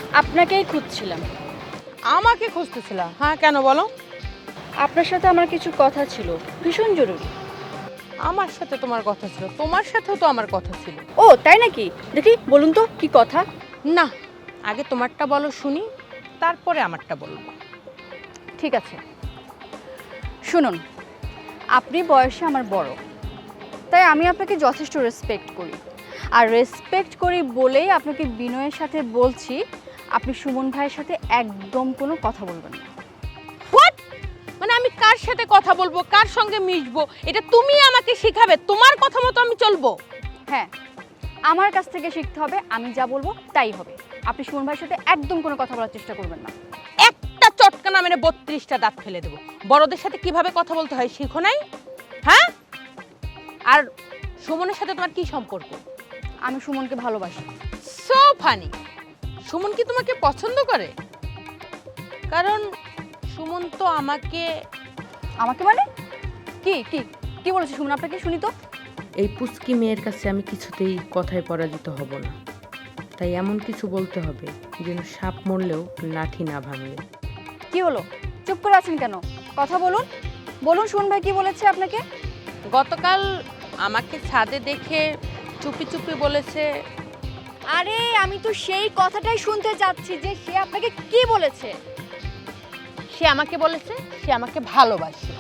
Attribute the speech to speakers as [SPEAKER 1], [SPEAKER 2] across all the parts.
[SPEAKER 1] আপনাকেই খুঁজছিলাম।
[SPEAKER 2] আমাকে খুঁজতেছিল? হ্যাঁ, কেন বলো?
[SPEAKER 1] আপনার সাথে আমার কিছু কথা ছিল, ভীষণ জরুরি।
[SPEAKER 2] আমার সাথে তোমার কথা ছিল? তোমার সাথেও তো আমার কথা ছিল।
[SPEAKER 1] ও তাই নাকি? দেখি বলুন তো কি কথা।
[SPEAKER 2] না, আগে তোমারটা বলো শুনি, তারপরে আমারটা বলবো।
[SPEAKER 1] ঠিক আছে, শুনুন। আপনি বয়সে আমার বড়, তাই আমি আপনাকে যথেষ্ট রেসপেক্ট করি। আর রেসপেক্ট করি বলেই আপনাকে বিনয়ের সাথে বলছি, আপনি সুমন ভাইয়ের সাথে একদম কোনো কথা বলবেন না।
[SPEAKER 2] হোয়াট? মানে আমি কার সাথে কথা বলবো, কার সঙ্গে মিশবো, এটা তুমি আমাকে শিখাবে? তোমার কথা মতো আমি চলবো?
[SPEAKER 1] হ্যাঁ, আমার কাছ থেকে শিখতে হবে, আমি যা বলবো তাই হবে। আপনি সুমন ভাইয়ের সাথে একদম কোনো কথা বলার চেষ্টা করবেন না।
[SPEAKER 2] একটা চটকানা মেরে 32টা দাঁত ফেলে দেবো। বড়দের সাথে কিভাবে কথা বলতে হয় শিখো নাই? হ্যাঁ? আর সুমনের সাথে তোমার কি সম্পর্ক?
[SPEAKER 1] আমি সুমনকে ভালোবাসি।
[SPEAKER 2] So funny. সুমন কি তোমাকে পছন্দ করে? কারণ সুমন তো আমাকে
[SPEAKER 1] আমাকে মানে? কি কি কি বলেছে সুমন আপনাকে, শুনি তো।
[SPEAKER 2] এই পুচকি মেয়ের কাছে আমি কিছুতেই কথায় পরাজিত হব না, তাই এমন কিছু বলতে হবে যেন সাপ মরলেও লাঠি না ভাঙে।
[SPEAKER 1] কি হলো, চুপ করে আছেন কেন? কথা বলুন, বলুন সুমন ভাই কি বলেছে আপনাকে।
[SPEAKER 2] গতকাল আমাকে ছাদে দেখে চুপি চুপি বলেছে।
[SPEAKER 1] আরে আমি তো সেই কথাটাই শুনতে যাচ্ছি যে সে আপনাকে কি বলেছে।
[SPEAKER 2] সে আমাকে বলেছে সে আমাকে ভালোবাসে।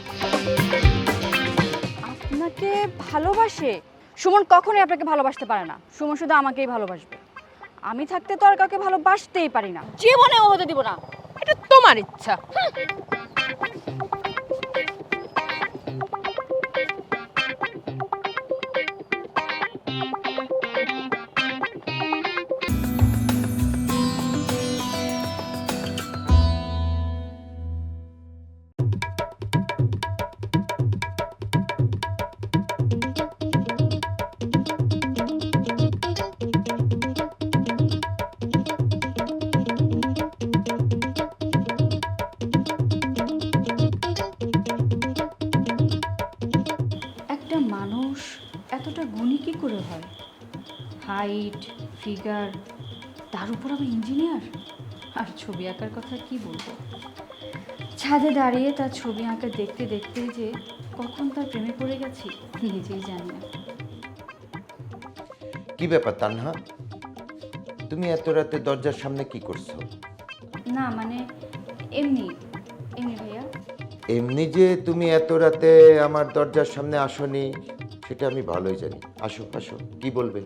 [SPEAKER 1] আপনাকে ভালোবাসে? সুমন কখনোই আপনাকে ভালোবাসতে পারে না। সুমন শুধু আমাকেই ভালোবাসবে। আমি থাকতে তো আর কাউকে ভালোবাসতেই পারি না, জীবনেও হতে দিব না।
[SPEAKER 2] এটা তোমার ইচ্ছা।
[SPEAKER 1] একটা মানুষ এতটা গুণী কি করে হয়? হাইট, ফিগার, তার উপর আবার ইঞ্জিনিয়ার। আর ছবি আঁকার কথা কি বলবো, ছাদে দাঁড়িয়ে তার ছবি আঁকা দেখতে দেখতেই যে কখন তার প্রেমে পড়ে গেছি নিজেই জানি না।
[SPEAKER 3] কি ব্যাপার তানহা, তুমি এত রাতে দরজার সামনে কি করছো?
[SPEAKER 1] না মানে এমনি এমনি ভাইয়া।
[SPEAKER 3] এমনি যে তুমি এত রাতে আমার দরজার সামনে আসোনি সেটা আমি ভালোই জানি। আসো আসো, কি বলবে?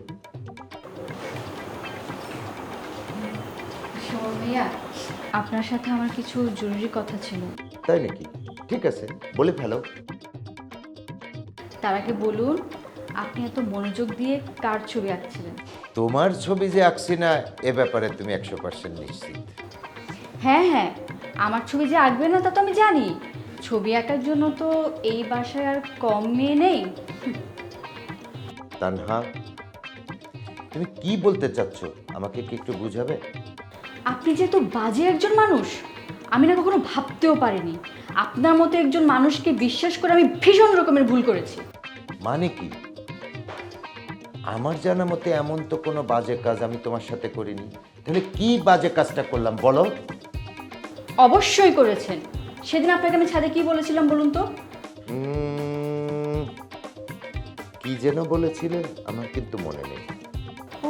[SPEAKER 1] শোন ভাইয়া, আপনার সাথে আমার কিছু জরুরি কথা ছিল।
[SPEAKER 3] তাই নাকি? ঠিক আছে, বলে ফেলো।
[SPEAKER 1] তার আগে বলুন, আপনি এত মনোযোগ দিয়ে কার ছবি আঁকছিলেন?
[SPEAKER 3] তোমার ছবি যে আঁকছি না এ ব্যাপারে তুমি 100% নিশ্চিত?
[SPEAKER 1] হ্যাঁ হ্যাঁ, আমার ছবি যে আঁকবে না তা তো আমি জানি। ছবি আঁকার জন্য তো এই বাসায় আর কম মেয়ে নেই।
[SPEAKER 3] তানহা, তুমি কি বলতে চাচ্ছ আমাকে কি একটু বুঝাবে?
[SPEAKER 1] আপনি যেহেতু বাজে একজন মানুষ, আমি না কখনো ভাবতেও পারিনি আপনার মতো একজন মানুষকে বিশ্বাস করে আমি ভীষণ রকমের ভুল করেছি।
[SPEAKER 3] মানে কি? আমার জানা মতে এমন তো কোনো বাজে কাজ আমি তোমার সাথে করিনি। তাহলে কি বাজে কাজটা করলাম বলো?
[SPEAKER 1] অবশ্যই করেছেন। সেদিন আপনাকে আমি ছাদে কি বলেছিলাম বলুন তো?
[SPEAKER 3] কি যেন বলেছিলে আমার কিন্তু মনে নেই।
[SPEAKER 1] ও,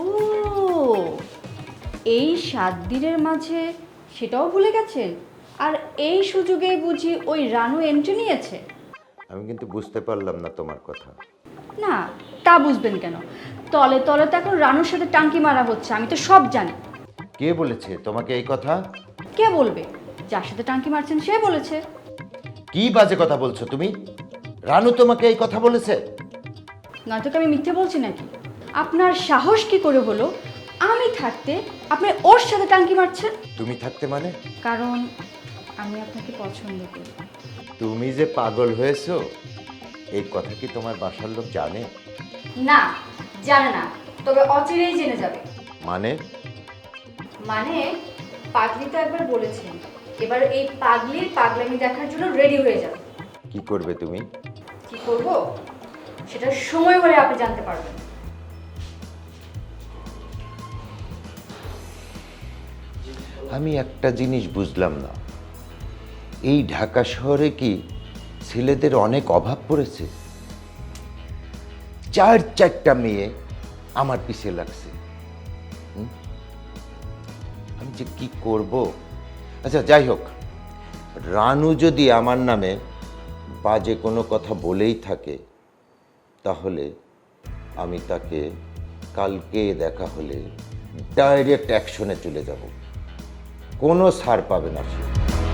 [SPEAKER 1] এই 7 দিনের মাঝে সেটাও ভুলে গেছেন? আর এই সুযোগে বুঝি ওই রানু এন্ট্রি নিয়েছে?
[SPEAKER 3] আমি কিন্তু বুঝতে পারলাম না তোমার কথা।
[SPEAKER 1] না, তা বুঝবেন কেন? তলে তলে তো এখন রানুর সাথে টাঙ্কি মারা হচ্ছে, আমি তো সব জানি।
[SPEAKER 3] কে বলেছে তোমাকে এই কথা?
[SPEAKER 1] কে বলবে? যার সাথে টাঙ্কি মারছেন সে বলেছে।
[SPEAKER 3] কি বাজে কথা বলছো তুমি? রানু তোমাকে এই কথা বলেছে?
[SPEAKER 1] নয়তো কি আমি মিথ্যে বলছি নাকি? আপনার সাহস কি করে হলো আমি থাকতে আপনি ওর সাথে টাঙ্কি মারছেন?
[SPEAKER 3] তুমি থাকতে মানে?
[SPEAKER 1] কারণ আমি আপনাকে পছন্দ করি।
[SPEAKER 3] তুমি যে পাগল হয়েছো এই কথা কি তোমার বাসার লোক জানে?
[SPEAKER 1] না, জানে না, তবে অচিরেই জেনে যাবে।
[SPEAKER 3] মানে?
[SPEAKER 1] মানে পাগলি তো একবার বলেছেন, এবার এই পাগলির পাগলামি দেখার জন্য রেডি হয়ে যাবে।
[SPEAKER 3] কি করবে তুমি?
[SPEAKER 1] কি করব সেটা সময় হলে আপনি জানতে পারবেন।
[SPEAKER 3] আমি একটা জিনিস বুঝলাম না, এই ঢাকা শহরে কি ছেলেদের অনেক অভাব পড়েছে? চারটা মেয়ে আমার পিছে লাগছে। আমি যে কি করব? আচ্ছা যাই হোক, রানু যদি আমার নামে বাজে কোনো কথা বলেই থাকে, তাহলে আমি তাকে কালকে দেখা হলে ডাইরেক্ট অ্যাকশনে চলে যাব, কোনো ছাড় পাবে না সে।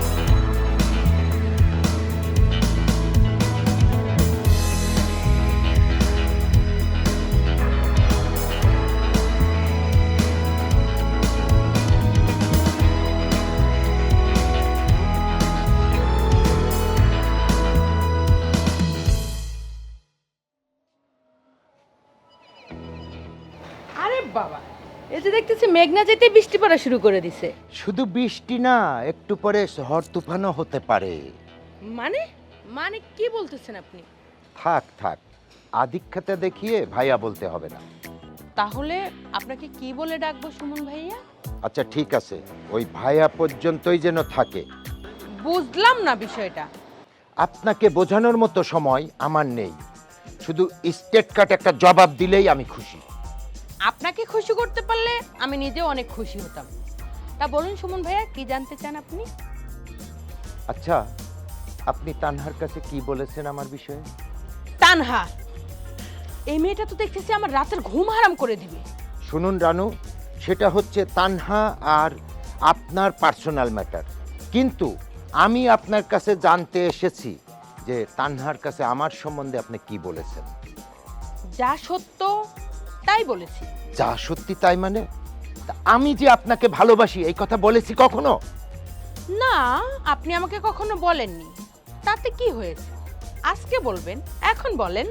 [SPEAKER 2] আরে বাবা, এই যে দেখতেছি মেঘনা যেতে বৃষ্টি পড়া শুরু করে দিছে।
[SPEAKER 3] শুধু বৃষ্টি না, একটু পরে ঝড় তুফানও হতে পারে।
[SPEAKER 2] মানে মানে কি বলতেছেন আপনি?
[SPEAKER 3] থাক থাক, আধিক্যতা দেখিয়ে ভাইয়া বলতে হবে না।
[SPEAKER 2] তাহলে আপনাকে কি বলে ডাকবো সুমন ভাইয়া?
[SPEAKER 3] আচ্ছা ঠিক আছে, ওই ভাইয়া পর্যন্তই যেন থাকে।
[SPEAKER 2] বুঝলাম না বিষয়টা।
[SPEAKER 3] আপনাকে বোঝানোর মতো সময় আমার নেই, শুধু স্টেট কাট একটা জবাব দিলেই আমি খুশি।
[SPEAKER 2] আপনাকে খুশি করতে পারলে আমি নিজেও অনেক খুশি হতাম। তা বলুন সুমন ভাইয়া, কি জানতে চান আপনি?
[SPEAKER 3] আচ্ছা, আপনি তানহার কাছে কি বলেছেন আমার বিষয়ে?
[SPEAKER 2] তানহা, এই মেয়েটা তো দেখতেছি আমার রাতের ঘুম হারাম করে দিবে।
[SPEAKER 3] শুনুন রানু, সেটা হচ্ছে তানহা আর আপনার পার্সোনাল ম্যাটার, কিন্তু আমি আপনার কাছে জানতে এসেছি যে তানহার কাছে আমার সম্বন্ধে আপনি কি বলেছেন।
[SPEAKER 2] যা সত্য তাই বলেছি।
[SPEAKER 3] যা সত্যি তাই মানে? তা আমি যে আপনাকে ভালোবাসি এই কথা বলেছি কখনো?
[SPEAKER 2] না, আপনি আমাকে কখনো বলেননি। তাতে কি হয়েছে? আজকে বলবেন, এখন বলেন।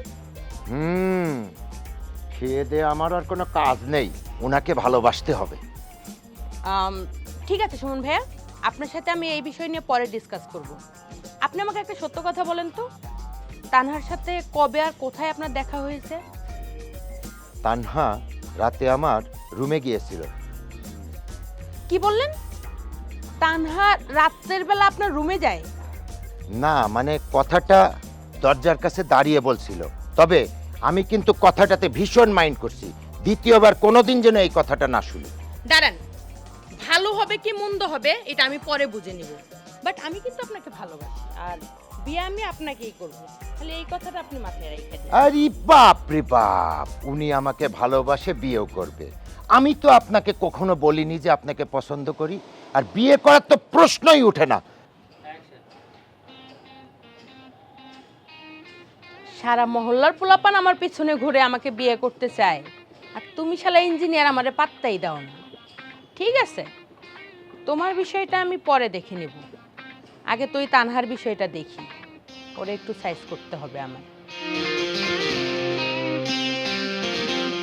[SPEAKER 3] খেয়ে দে আমার আর কোনো কাজ নেই, ওনাকে ভালোবাসতে হবে।
[SPEAKER 2] ঠিক আছে সুমন ভাইয়া, আপনার সাথে আমি এই বিষয় নিয়ে পরে ডিসকাস করব। আপনি আমাকে একটা সত্য কথা বলেন তো, তানহার সাথে কবে আর কোথায় আপনার দেখা হয়েছে?
[SPEAKER 3] তানহা রাতে আমার রুমে গিয়েছিল।
[SPEAKER 2] কি বললেন? তানহা রাতের বেলা আপনার রুমে যায়?
[SPEAKER 3] না মানে কথাটা দরজার কাছে দাঁড়িয়ে বলছিল, তবে আমি কিন্তু কথাটাতে ভীষণ মাইন্ড করছি। দ্বিতীয়বার কোনোদিন যেন এই কথাটা না শুনি।
[SPEAKER 2] দাঁড়ান, ভালো হবে কি মন্দ হবে এটা আমি পরে বুঝে নিব, বাট আমি কিন্তু আপনাকে ভালোবাসি, আর বিয়ে আমি আপনাকেই করব। তাহলে এই কথাটা আপনি মাথায় রেখে দিন।
[SPEAKER 3] আরে বাপ রে বাপ, উনি আমাকে ভালোবাসে, বিয়েও করবে। আমি তো আপনাকে কখনো বলিনি যে আপনাকে পছন্দ করি, আর বিয়ে করার তো প্রশ্নই ওঠে না।
[SPEAKER 2] সারা মহল্লার পোলাপান আমার পিছনে ঘুরে আমাকে বিয়ে করতে চায়, আর তুমি শালা ইঞ্জিনিয়ার আমারে পাত্তাই দাও না। ঠিক আছে, তোমার বিষয়টা আমি পরে দেখে নেব, আগে তুই তানহার বিষয়টা দেখি, ওরে একটু সাইজ করতে হবে আমার।